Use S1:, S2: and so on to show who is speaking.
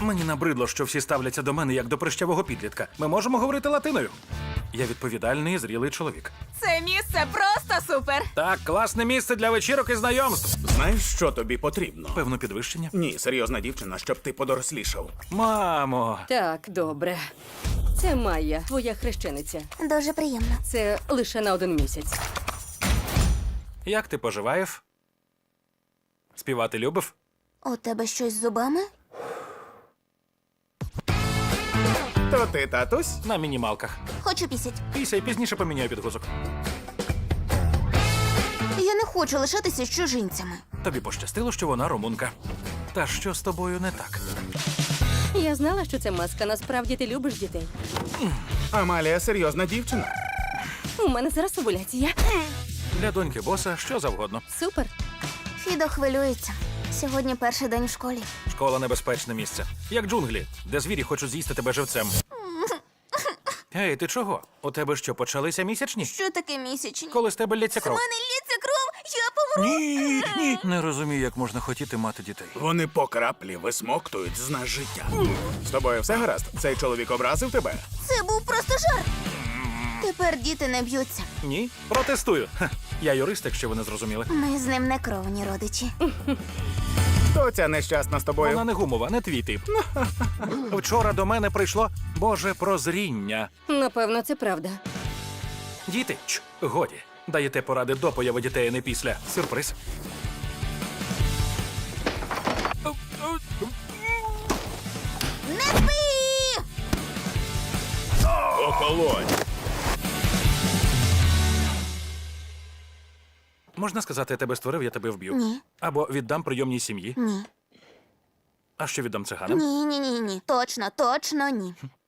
S1: Мені набридло, що всі ставляться до мене як до прищавого підлітка. Ми можемо говорити латиною. Я відповідальний і зрілий чоловік.
S2: Це місце просто супер.
S1: Так, класне місце для вечірок і знайомств.
S3: Знаєш, що тобі потрібно?
S1: Певно, підвищення.
S3: Ні, серйозна дівчина, щоб ти подорослішав.
S1: Мамо,
S4: Так, добре. Це Майя, твоя хрещениця.
S5: Дуже приємно.
S4: Це лише на 1 місяць.
S1: як ти поживаєш? Співати любив?
S5: У тебе щось з зубами?
S3: То ти, татусь?
S1: На мінімалках.
S5: Хочу пісять.
S1: Після і пізніше поміняю підгузок.
S5: Я не хочу лишатися з чужинцями.
S1: Тобі пощастило, що вона румунка. Та що з тобою не так?
S4: Я знала, що це маска. Насправді ти любиш дітей.
S3: Амалія серйозна дівчина.
S4: У мене зараз овуляція.
S1: Для доньки боса що завгодно.
S4: Супер.
S5: Фідо хвилюється. Сьогодні перший день в школі.
S1: Школа небезпечне місце. Як джунглі, де звірі хочуть з'їсти тебе живцем. Ей, ти чого? У тебе що, почалися місячні?
S5: Що таке місячні?
S1: Коли з тебе лється
S5: У
S1: кров?
S5: мене лється кров, я помру.
S1: Ні. Не розумію, як можна хотіти мати дітей.
S3: Вони по краплі висмоктують з нас життя. З тобою все гаразд? Цей чоловік образив тебе?
S5: Це був просто жарт. Тепер діти не б'ються.
S1: Ні? Протестую. Ха, я юрист, якщо ви не зрозуміли.
S5: Ми з ним не кровні родичі.
S3: Хто ця нещасна з тобою?
S1: Вона не гумова, не твій тип. Вчора до мене прийшло Боже прозріння.
S4: Напевно, це правда.
S1: Діти, годі. Даєте поради до появи дітей, а не після. Сюрприз.
S5: Не спи!
S3: Охолонь!
S1: Можна сказати, я тебе створив, я тебе вб'ю.
S5: Ні.
S1: Або віддам прийомній сім'ї.
S5: Ні.
S1: А що віддам циганам?
S5: Ні. Точно ні.